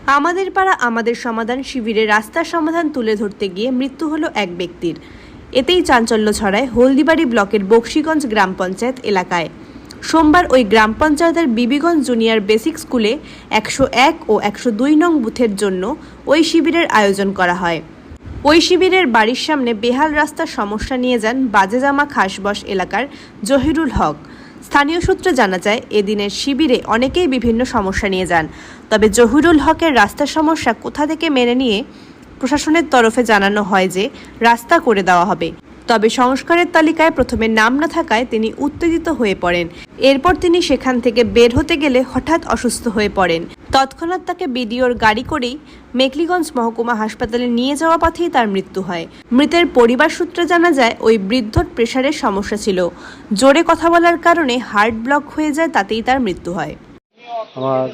আমাদের পাড়া আমাদের সমাধান শিবিরে রাস্তার সমাধান তুলে ধরতে গিয়ে মৃত্যু হলো এক ব্যক্তির। এতেই চাঞ্চল্য ছড়ায় হলদিবাড়ি ব্লকের বক্সিগঞ্জ গ্রাম পঞ্চায়েত এলাকায়। সোমবার ওই গ্রাম পঞ্চায়েতের বিবিগঞ্জ জুনিয়র বেসিক স্কুলে 101 ও 102 নং বুথের জন্য ওই শিবিরের আয়োজন করা হয়। ওই শিবিরের বাড়ির সামনে বেহাল রাস্তার সমস্যা নিয়ে যান বাজেজামা খাসবস এলাকার জহিরুল হক। স্থানীয় সূত্রে জানা যায়, এদিনের শিবিরে অনেকেই বিভিন্ন সমস্যা নিয়ে যান। তবে জহিরুল হকের রাস্তার সমস্যা কোথা থেকে মেনে নিয়ে প্রশাসনের তরফে জানানো হয় যে রাস্তা করে দেওয়া হবে। তবে সংস্কারের তালিকায় প্রথমে নাম না থাকায় তিনি উত্তেজিত হয়ে পড়েন। এরপর তিনি সেখান থেকে বের হতে গেলে হঠাৎ অসুস্থ হয়ে পড়েন। তৎক্ষণাৎ তাকে বিডিওর গাড়ি করেই মেখলিগঞ্জ মহকুমা হাসপাতালে নিয়ে যাওয়া পথেই তার মৃত্যু হয়। মৃতের পরিবার সূত্রে জানা যায়, ওই বৃদ্ধর প্রেশারের সমস্যা ছিল। জোরে কথা বলার কারণে হার্ট ব্লক হয়ে যায়, তাতেই তার মৃত্যু হয়। আমার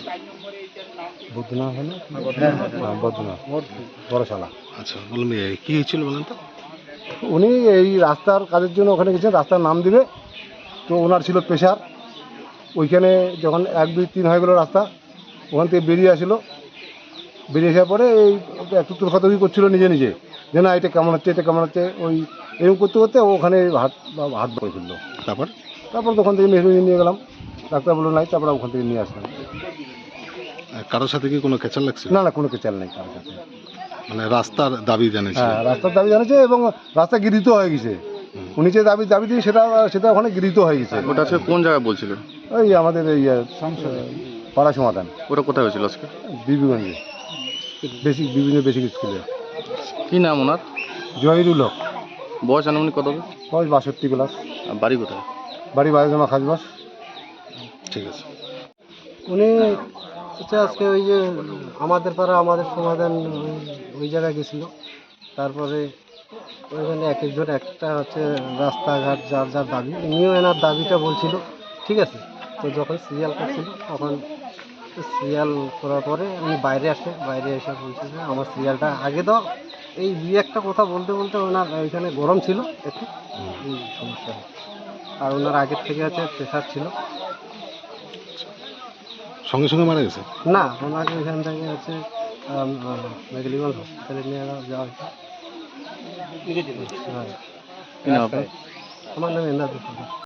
বুধনা হলো বদনা বড়শালা। আচ্ছা, বলুন কি হয়েছিল বলেন তো? উনি এই রাস্তার কাজের জন্য ওখানে গেছেন, রাস্তার নাম দিবে। তো ওনার ছিল প্রেশার। ওইখানে যখন 1, 2, 3 হয়ে গেল রাস্তা, ওখান থেকে বেরিয়ে আসলো। বেরিয়ে আসার পরে এই একটু তুলখাতুকি করছিল নিজে নিজে, যে না এটা কেমন হচ্ছে, এটা কেমন হচ্ছে। ওই এরকম করতে করতে ওখানে হাত ধরে ফেললো। তারপর ওখান থেকে মেহরুনি নিয়ে গেলাম, ডাক্তার বললো নাই। তারপরে ওখান থেকে নিয়ে আসলাম। কারোর সাথে কি কোনো খেচাল লাগছে? না, কোনো কেচাল নেই কারোর সাথে। মানে রাস্তার দাবি জানিয়েছে? হ্যাঁ, রাস্তার দাবি জানিয়েছে এবং রাস্তা গৃহীত হয়ে গেছে। উনি যে দাবি দিয়ে সেটা ওখানে গৃহীত হয়ে গেছে। ওটা আজকে কোন জায়গায় বলছিলেন? ওই আমাদের এই পাড়া সমাধান। ওটা কোথায় হয়েছিল আজকে? বিবিগঞ্জে বিভিন্ন বেসিক স্কুলে। কি নাম ওনার? জহিরুল হক। বয়স আনুমানিক কত হবে? বয়স 62 ক্লাস। আর বাড়ি কোথায়? বাড়ি বাজেজামা খাসবাস। ঠিক আছে। উনি আজকে ওই যে আমাদের পাড়া আমাদের সমাধান ওই জায়গায় গেছিল। তারপরে ওইখানে এক একজন একটা হচ্ছে রাস্তাঘাট যার যার দাবি, উনিও এনার দাবিটা বলছিল। ঠিক আছে, তো যখন সিরিয়াল করছিল তখন সিরিয়াল করার পরে উনি বাইরে এসে বলছে যে আমার সিরিয়ালটা আগে দাও। এই দুই একটা কথা বলতে বলতে ওনার ওইখানে গরম ছিল একটু, এই সমস্যা হচ্ছে। আর ওনার আগের থেকে হচ্ছে প্রেশার ছিল। সঙ্গে সঙ্গে মারা গেছে? না, ওনাকে ওইখান থেকে হচ্ছে মেখলিগঞ্জ হসপিটালে নিয়ে যাওয়া হয়েছে। কি নাম আপনার? আমার নাম এন্দাজ।